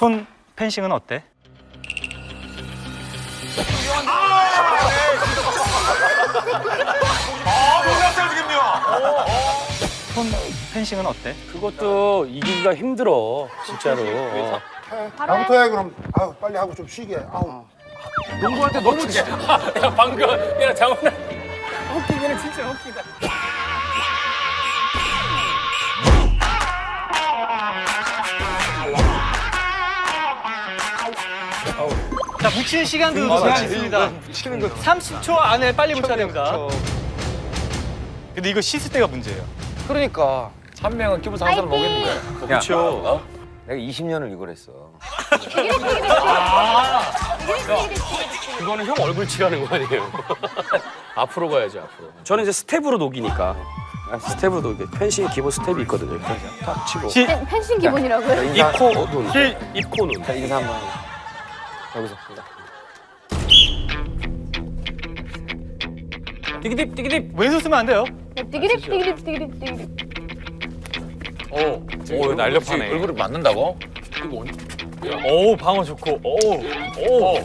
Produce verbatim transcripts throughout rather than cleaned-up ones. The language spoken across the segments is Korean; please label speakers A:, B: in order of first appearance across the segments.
A: 손 펜싱은 어때?
B: 아, 몰랐어요, 지금요.
A: 손 펜싱은 어때?
C: 그것도 이기기가 힘들어, 진짜로. 어.
D: 나부터 해 그럼. 아유 빨리 하고 좀 쉬게. 아우.
C: 농구할 때 너무 지. 야 방금 야 장훈아. 웃기기는 진짜 웃기다.
A: 자, 붙이는 시간도 제한이 있습니다. 삼십 초 안에 빨리 붙여야 됩니다. 근데 이거 씻을 때가 문제예요.
E: 그러니까
B: 한 명은 기분 상한 사람 오겠는 거야.
C: 그렇죠.
E: 내가 이십 년을 이걸 했어.
C: 그거는 형 얼굴 칠하는 거 아니에요? 앞으로 가야지 앞으로. 저는 이제 스텝으로 녹이니까. 아, 스텝으로 녹이. 펜싱 기본 스텝이 있거든요. 이렇게 탁 치고.
A: 시,
F: 펜- 펜싱 기본이라고요?
E: 인사,
C: 입코 눈.
A: 시,
C: 입코 눈.
E: 자, 인사 한번 하고. 여기서.
A: 디기딥, 디기딥. 왼손 쓰면 안 돼요.
F: 디기립 디기립 디기립 디기립.
B: 오, 오, 날렵하네. 얼굴을 맞는다고?
A: 오, 방어 좋고. 오, 오.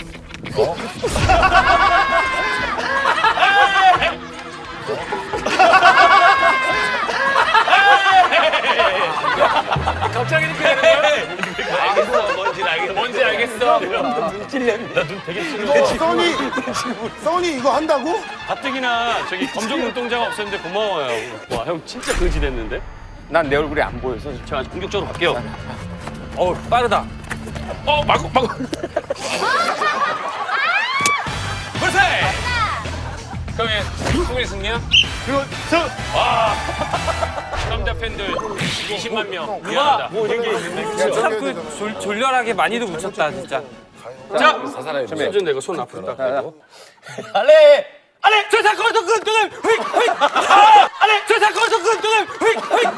C: 갑자기 이렇게 되는 거야? 알겠어. 뭔지 알겠어. 뭔지 알겠어. 나눈 찔렸네. 나눈 되게 찔렸네.
D: 이거 써니 써니 이거 한다고?
C: 가뜩이나 저기 검정 눈동자가 없었는데 고마워요. 와, 형 진짜 거지 됐는데?
E: 난 내 얼굴이 안 보여서.
C: 제가 공격적으로 갈게요. 어, 빠르다. 어, 마구 마구. 불세. 그럼 얘 수고리 승리야?
A: 그리고 저,
C: 남자 팬들 이십만 명. 미안하다. 뭐 이런 게 있는데.
E: 참그
G: 졸, 졸렬하게 많이도 묻혔다 진짜.
C: 자,
B: 사사라요.
C: 손좀 내고 손 앞으로 딱 대고.
B: 알레!
G: 아래 저 사건 저 근동을 휙 휙. 아래 저 사건 저 근동을 휙 휙.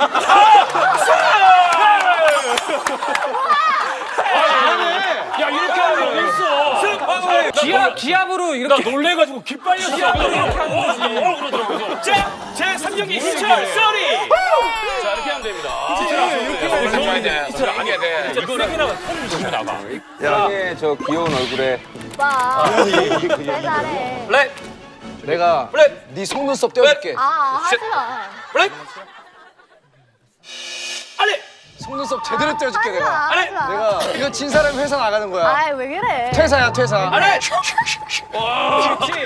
C: 야, 이렇게 하는 거 있어.
G: 기압 기압으로
C: 나
G: 이렇게.
C: 놀래가지고 기 빨렸어. 이렇게 하는 거지. 어, 그러더라고요. 자, 제 삼 경기 희철 쏘리. 자, 이렇게 하면 됩니다. 이렇게
B: 해야 돼. 희철 안 해야 돼.
C: 이거 세게 나가 통 지금 나가.
E: 형의 저 귀여운 얼굴에
F: 오빠. 왜 잘해?
C: 블랙,
D: 내가
C: 블랙,
D: 네 속눈썹 떼어줄게.
F: 아 하지 마.
C: 블랙. 알레.
D: 속눈썹 제대로 떼어줄게
F: 하지
D: 내가.
F: 마. 하지 마.
D: 내가 이거 진 사람이 회사 나가는 거야.
F: 아이 왜 그래?
D: 퇴사야 퇴사.
C: 알레. 와, 그렇지.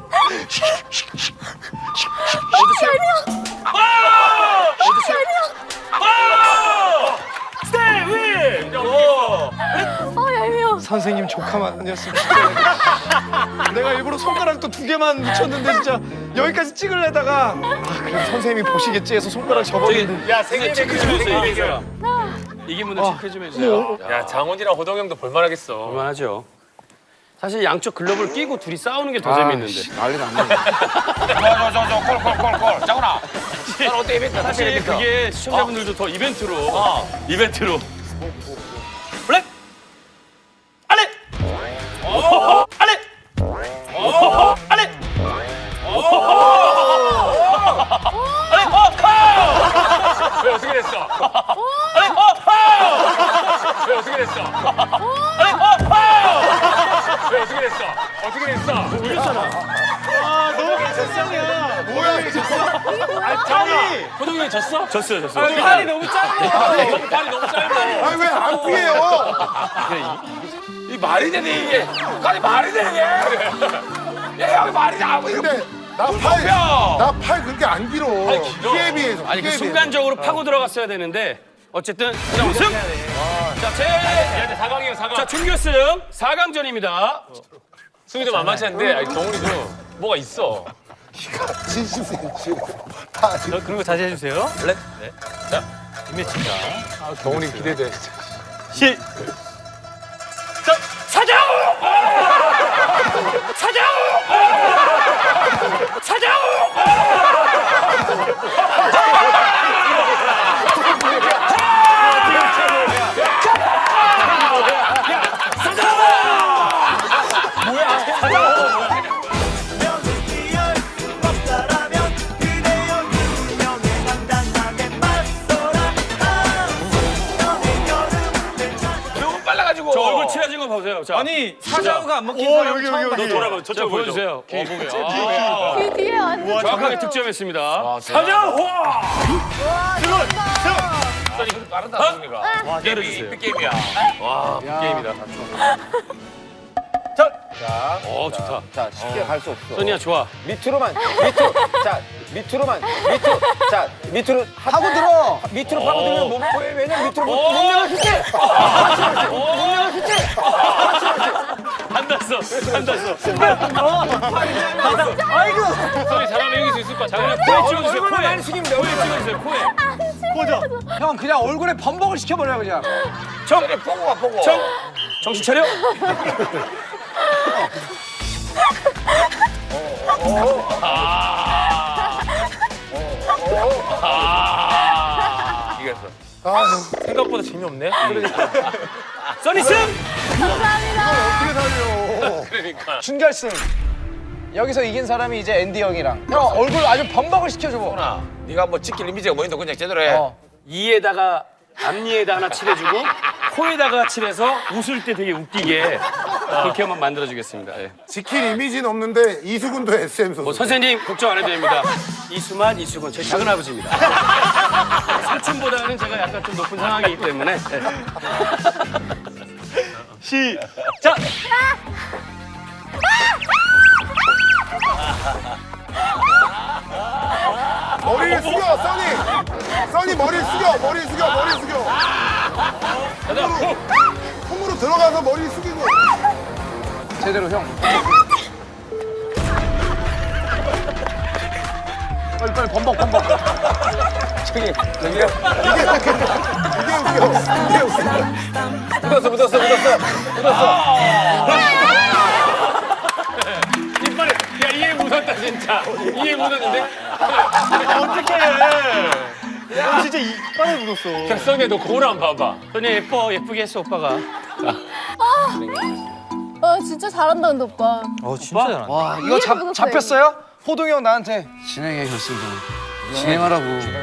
C: 스테이 윈. 오.
F: 어 얄미워.
D: 선생님 조카만 아니었으면 진짜 내가 일부러 손가락도 두 개만 묻혔는데 진짜 여기까지 찍으려다가 아 그래도 선생님이 보시겠지 해서 손가락 접었는데
C: 야, 생일 체크 좀 해주세요. 이기세요. 이긴 분들 체크 좀 해주세요.
B: 야, 장훈이랑 호동형도 볼만하겠어.
C: 그만하죠. 사실 양쪽 글러브를 끼고 둘이 싸우는 게 더 재밌는데.
D: 난리 났네.
B: 저, 저, 저, 콜, 콜, 콜, 콜. 장훈아. 난 어때, 이벤트?
C: 사실
B: 이벤트?
C: 그게 시청자분들도 더 이벤트로
B: 어.
C: 이벤트로 블랙 알레 알레 알레 알레
B: 왜 어떻게 됐어?
C: 알레
B: 왜 어떻게 됐어?
C: 알레
B: 왜 어떻게 됐어? 어떻게 됐어?
C: 울렸잖아.
A: 아, 너무 개선성이야.
D: 뭐야 이게
A: 아, 장훈아.
C: 호동이 형 졌어? 졌어요, 졌어요.
G: 팔이 너무 짧아.
C: 너무 팔이 너무 짧아.
D: 아니 왜 안 피해요?
B: 이 말이 되니, 이게? 아니, 말이 되니? 야, 여기 말이 나오고, 이거.
D: 근데 나팔나 팔 그렇게 안 길어.
B: 길어.
D: 피해 비해서.
C: 아니 그
D: 피해
C: 순간적으로 파고 들어갔어야 되는데 어쨌든 그냥 우승. 자, 제
B: 야, 사 강이에요, 사 강.
C: 자, 준결승 사 강전입니다.
B: 승희도 만만치 않은데, 아니, 경훈이도 뭐가 있어.
D: 비해서. 진심이에요 지금. 다
A: 저, 그런 거 자제해주세요.
C: 블랙.
A: 자, 뒷매치입니다.
B: 경훈이 기대돼.
A: 시,
C: 자, 사장! 사장! 사장!
B: 빨라가지고.
C: 저 얼굴 칠해진 거 보세요. 자,
A: 아니 사자우가 안 먹힌
D: 오,
A: 사람
D: 여기,
A: 처음
D: 여기,
A: 봤어요.
D: 여기.
C: 돌아봐. 저쪽 보여주세요. 어, 보게요. 아,
F: 귀 뒤에 완전.
C: 정확하게 득점했습니다.
B: 아,
C: 사자우!
B: 선이 그래도 빠르다, 승리가.
C: 와, 때려주세요.
B: 빅게임이야.
C: 와, 빅게임이다.
E: 자,
C: 어, 좋다.
E: 자, 쉽게 갈 수 없어.
C: 선이야, 좋아.
E: 밑으로만, 밑으로. 자, 밑으로만, 밑으로. 자, 밑으로
D: 하고 들어.
E: 밑으로 파고들면 몸 왜, 왜냐면 밑으로 못,
C: 오.
E: 못 내려가겠지. 못 내려가겠지.
C: 안 났어. 안 났어.
A: 아이고.
C: 선이 잘하면 이길 수 있을 것 같아. 자, 그냥 코에 찍어주세요.
E: 얼굴만
C: 코에.
E: 많이 숙이면 돼.
C: 코에 찍어주세요. 코에.
A: 보자.
D: 형 그냥 얼굴에 범벅을 시켜버려 그냥.
B: 정, 보고 가, 보고.
C: 정, 정신 차려. 아.
B: 이겼어.
C: 생각보다 재미없네. 써니 승!
B: 그러니까.
D: 준결승. 여기서 이긴 사람이 이제 앤디 형이랑. 형 얼굴 아주 범벅을 시켜줘.
B: 호나, 네가 뭐 찍힐 이미지가 뭐인데 그냥 제대로 해.
D: 어.
C: 이에다가 앞니에다 하나 칠해주고 코에다가 칠해서 웃을 때 되게 웃기게 그렇게 한번 만들어주겠습니다. 예.
H: 지킬 이미지는 없는데 이수근도 에스엠 선수.
C: 뭐 선생님 걱정 안 해도 됩니다. 이수만, 이수건 제 작은 아버지입니다. 삼촌보다는 제가 약간 좀 높은 상황이기 때문에 예.
A: 시작.
H: 머리를 숙여, 써니. 써니 머리를 숙여, 머리 숙여, 머리 숙여. 손으로, 손으로 들어가서 머리 숙이고.
D: 제대로 형. 빨리 빨리 범벅 범벅.
E: 저기, 저기요.
H: 이게 웃겨, 이게 웃겨.
E: 묻었어, 묻었어, 묻었어. 묻었어.
C: 이빨에 야 이에 묻었다 진짜. 이에 묻었는데.
A: 어떡해. 야, 진짜 이빨에 묻었어.
C: 써니야 너 거울 한번 봐봐. 써니 예뻐 예쁘게 했어 오빠가.
F: 아 진짜 잘한다 근데 오빠.
A: 어 진짜 잘한다.
D: 와 이거 잡
F: 묻었어요,
D: 잡혔어요? 호동이 형 나한테 진행해 결승전. 진행하라고.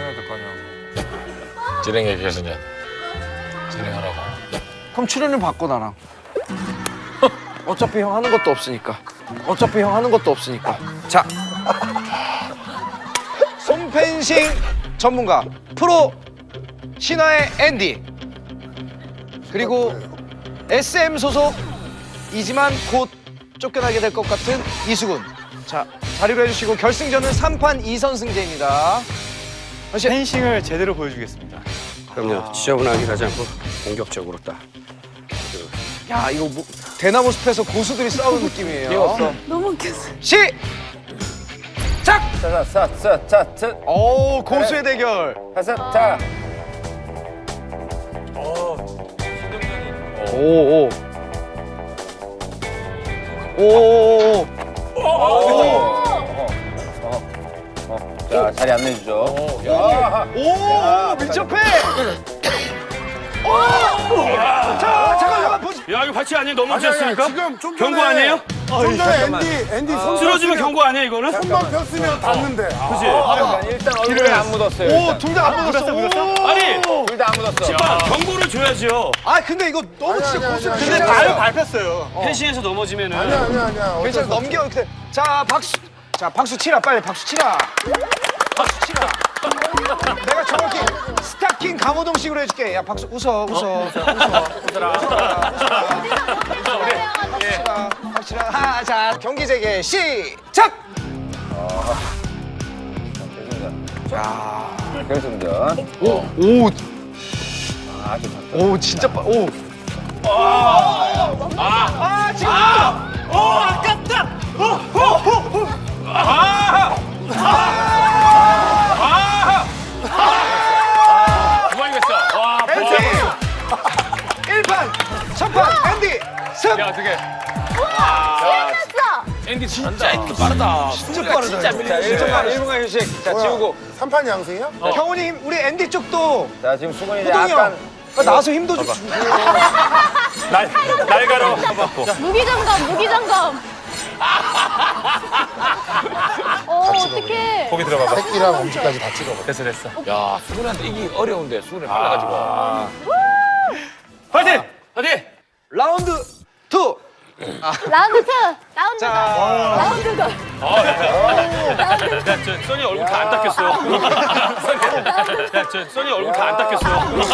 B: 진행해, 계승현. 진행하라고.
D: 그럼 출연료 바꿔 나랑. 어차피 형 하는 것도 없으니까. 어차피 형 하는 것도 없으니까. 자, 손펜싱 전문가 프로 신화의 앤디 그리고 에스엠 소속이지만 곧 쫓겨나게 될 것 같은 이수근. 자, 자리로 해주시고 결승전은 삼 판 이 선승제입니다.
A: 펜싱을 제대로 보여주겠습니다.
C: 그럼요. 지저분하게 가지 않고 공격적으로 딱.
D: 야, 이거 뭐, 대나무 숲에서 고수들이 싸우는 느낌이에요.
E: 귀여웠어.
F: 너무 웃겼어.
D: 시! 작!
E: 자, 자, 자, 자, 자,
D: 오, 고수의 대결.
E: 자, 자.
D: 오, 오. 오, 오,
E: 자, 자리 안내주죠. 야,
D: 오, 밀접해. 오! 자, 잠깐, 잠깐, 보시.
C: 야 이거 반칙 아니에요?
H: 아니, 아니,
C: 넘어졌으니까?
H: 지금 좀 전에.
C: 경고 아니에요?
H: 좀 전에 앤디, 앤디 손
C: 쓰러지면
H: 폈으면-
C: 경고 아니에요 이거는?
H: 손만 폈으면 닿는데. 아,
C: 그지?
E: 일단, 일단 얼굴에 안 묻었어요.
D: 오,
E: 일단.
D: 둘 다 안 묻었어. 오.
C: 아니!
E: 둘 다 안 묻었어.
C: 아, 경고를 줘야죠.
D: 아, 근데 이거 너무
H: 아니야,
D: 진짜
H: 아니야,
D: 고수.
H: 아니야,
D: 근데
H: 아니야.
D: 나요
A: 발 밟혔어요.
C: 펜싱에서 넘어지면은
H: 아니야, 아니야, 아니야. 어쩔
D: 괜찮아,
H: 수 없어.
D: 넘겨. 이렇게. 자, 박수. 자, 박수 치라, 빨리 박수 치라. 박수 치라. 내가 정확히 스타킹 강호동식으로 해줄게. 야, 박수 웃어, 웃어, 웃어, 웃어라, 웃어라, 웃어라, 박수라. 하, 자, 경기 재개 시작.
E: 결승전.
D: 오, 오,
E: 아, 좀.
D: 오, 진짜 빠. 오. 아, 아, 지금. 오, 아깝다. 오, 오, 오, 오.
C: 두 방이겠어. 와,
D: 앤디 일 판 첫 판 앤디 승.
C: 야 어떻게?
F: 했어.
C: 앤디
B: 진짜 이거 빠르다.
D: 진짜 빠르다.
B: 진짜
D: 이거.
B: 밀리네.
E: 일 분간, 일 분간 휴식. 자,
H: 뭐야,
E: 지우고.
H: 삼 판 양승이야?
D: 형우님 우리 앤디 쪽도
E: 자, 지금 수근이 이제
D: 호동이
E: 약간.
D: 형 나와서 힘도 좀 주고.
C: 날 날가로 받고.
F: 무기장검 무기장검. 어 어떡해.
C: 거기 들어가봐.
H: 새끼랑 엄지까지 다 찍어봐.
C: 됐어 됐어.
B: 야, 수근한테 이기 어려운데, 수근이 빨라가지고.
C: 파이팅! 파이팅!
F: 라운드 투. 라운드
D: 자.
F: 더. 라운드 더.
G: 야, 저 써니 얼굴 다 안 닦였어. 야, 저 써니 얼굴 다 안 닦였어.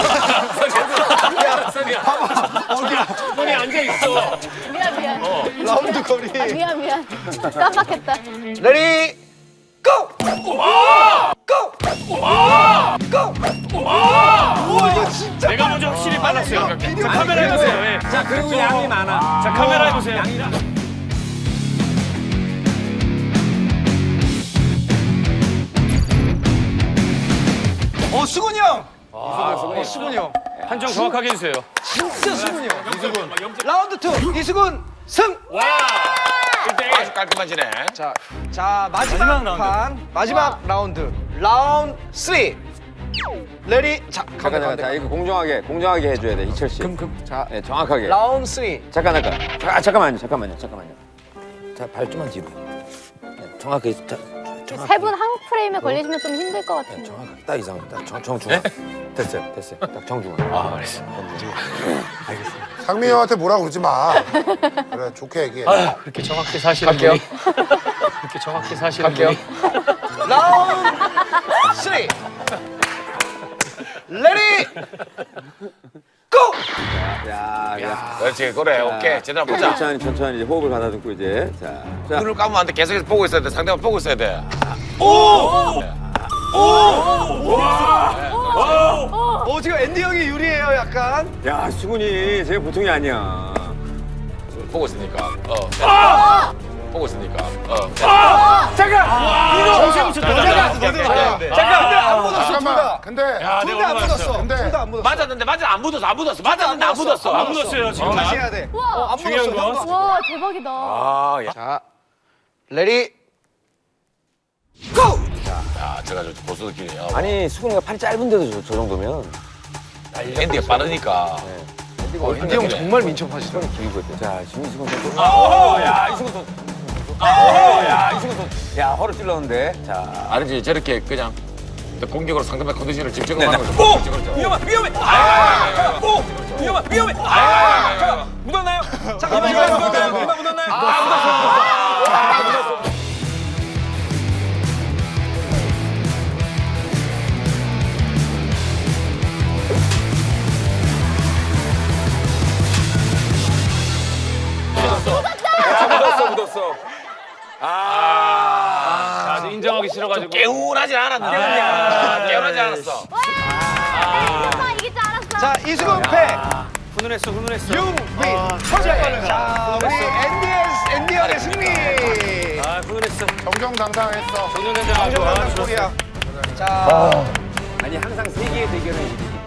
G: 써니야. 써니 앉아 있어.
F: 미안 미안.
D: 라운드 거리.
F: 아, 미안 미안. 깜빡했다.
D: 레디 고! 고! 고! 우와 이거 진짜
G: 내가 먼저 확실히 빨랐어요. 자,
D: 비디오
G: 카메라 해보세요. 예.
E: 자, 그리고 양이 많아.
G: 자, 카메라 해보세요.
D: 어 수근이 형. 어 수근이 형.
G: 판정 정확하게 해주세요.
D: 진짜 수근이 형. 이수근. 라운드 투 이수근 승.
G: 와!
B: 아주 깔끔하시네.
D: 자, 자 마지막,
A: 마지막 라운드.
D: 판 마지막 라운드 라운드 쓰리. 레디 자
E: 잠깐,
D: 가운데
E: 잠깐.
D: 가운데.
E: 자, 이거 공정하게, 공정하게 해줘야 돼, 이철 씨. 자, 네, 정확하게.
D: 라운드 쓰리.
E: 잠깐, 잠깐. 아, 잠깐만요, 잠깐만요, 잠깐만요. 자, 발 좀만 뒤로. 네, 정확하게, 자,
F: 세 분 한 프레임에 걸리시면 좀 힘들 것 같은데.
E: 정확하게. 딱 이상, 딱 정, 정중앙. 됐어요, 됐어요. 딱 정중앙. 아, 알겠어.
H: 상민이 형한테 뭐라 그러지 마. 그래 좋게 얘기해.
G: 아유, 그렇게 정확히 사시는
D: 갈게요.
G: 분이. 그렇게 정확히 사시는
D: 갈게요.
G: 분이.
D: 라운드 쓰리. 레디 고!
E: 야, 야.
B: 그렇지, 그래. 오케이. 제대로 보자.
E: 천천히, 천천히 이제 호흡을 가다듬고 이제. 자, 자.
B: 눈을 감으면 안 돼. 계속해서 보고 있어야 돼. 상대방 보고 있어야 돼.
D: 어 지금 앤디 형이 유리해요 약간.
E: 야, 수근이 쟤 보통이 아니야.
B: 보고 있으니까. 어. 보고 있으니까. 어.
G: 이거 엄청 묻혔다.
D: 잠깐 근데 안 묻었어 둘
H: 잠깐만.
D: 다.
H: 근데
G: 야,
D: 둘
G: 내가
D: 다 안
G: 오늘
D: 묻었어.
H: 근데-
D: 둘 다 안 묻었어.
B: 맞았는데 맞아 안 묻었어 안 묻었어 맞았는데 안 묻었어
G: 안 묻었어요, 지금.
D: 다시 해야 돼.
F: 우와.
D: 어, 안
G: 중요한
D: 묻었어.
G: 건-
D: 한 번.
F: 와 대박이다.
B: 아, 야.
D: 자, 레디 고!
B: 야, 제가 저 고수들끼리. 어.
E: 아니, 수근이가 팔이 짧은데도 저, 저 정도면.
B: 앤디가 빠르니까.
D: 어, 앤디 형 정말 민첩하시다.
E: 길고 있대. 자, 김수근 선수. 아, 야, 이수근 선수. 아, 야, 이수근 선수. 야, 허를 찔렀는데. 자.
B: 아니지 저렇게 그냥 공격으로 상대방 컨디션을 집중하는 거죠. 오!
E: 위험해, 위험해. 아, 오, 위험해, 위험해. 아, 묻었나요?
D: 잠깐만
E: 이마
D: 이거
E: 묻었나요?
D: 묻었나요?
E: 이마 묻었나요? 아, 묻었어. 묻었어, 묻었어.
G: 아, 인정하기 싫어가지고.
B: 개운하지 않았는데. 아, 개운하지 않았어.
F: 와 이길 줄 알았어.
D: 자, 이수근 패.
G: 훈훈했어, 훈훈했어.
D: 융윈 처제. 자, 우리 앤디 앤디 형의 승리.
G: 아, 훈훈했어.
H: 정정당당했어.
G: 훈훈했어.
D: 정정당당 코리아. 자,
E: 아니, 항상 세계의 대결은 이렇게.